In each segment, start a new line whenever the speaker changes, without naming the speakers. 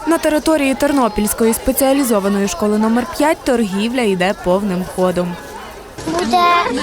На території Тернопільської спеціалізованої школи номер 5 торгівля йде повним ходом.
Буде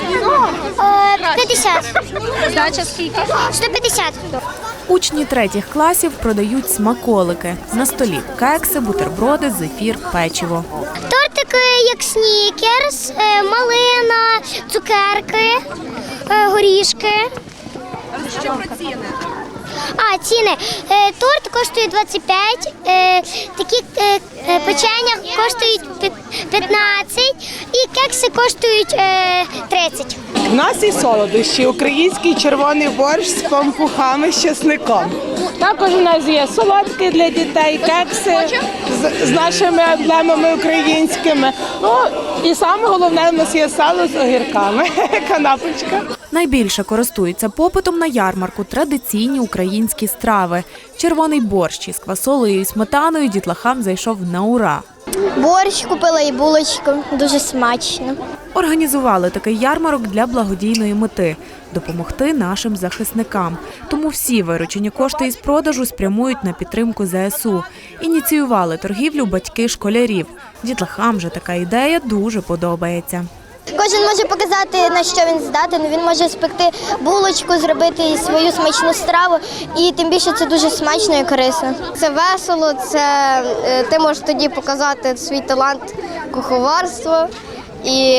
50.
Здача скільки?
150.
Учні 3 класів продають смаколики. На столі кекси, бутерброди, зефір, печиво.
Тортики, як снікерс, малина, цукерки, горішки.
Що про ціни?
Ціни. Торт коштує 25, такі печення коштують 15 і кекси коштують 30.
У нас і солодощі, український червоний борщ з пампухами, з чесником. Також у нас є солодкі для дітей, кекси з нашими емблемами українськими. Ну і саме головне, у нас є сало з огірками, канапочка.
Найбільше користуються попитом на ярмарку традиційні українські страви. Червоний борщ із квасолею і сметаною дітлахам зайшов на ура.
Борщ купила і булочку, дуже смачно.
Організували такий ярмарок для благодійної мети – допомогти нашим захисникам. Тому всі виручені кошти із продажу спрямують на підтримку ЗСУ. Ініціювали торгівлю батьки школярів. Дітлахам же така ідея дуже подобається.
Кожен може показати, на що він здатен. Він може спекти булочку, зробити свою смачну страву. І тим більше це дуже смачно і корисно.
Це весело, ти можеш тоді показати свій талант куховарства. І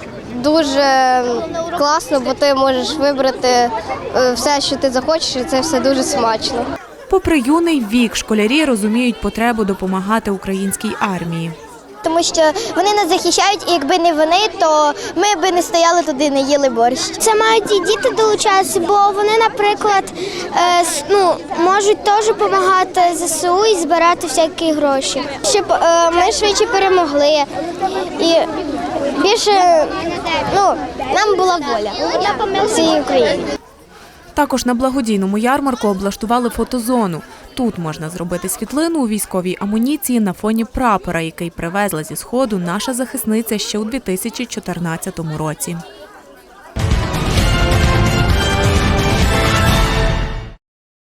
дуже класно, бо ти можеш вибрати все, що ти захочеш, і це все дуже смачно.
Попри юний вік, школярі розуміють потребу допомагати українській армії.
Тому що вони нас захищають, і якби не вони, то ми б не стояли туди, не їли борщ. Це мають і діти долучатися, бо вони, наприклад, можуть теж допомагати ЗСУ і збирати всякі гроші. Щоб ми швидше перемогли і більше нам була воля всієї України.
Також на благодійному ярмарку облаштували фотозону. Тут можна зробити світлину у військовій амуніції на фоні прапора, який привезла зі Сходу наша захисниця ще у 2014 році.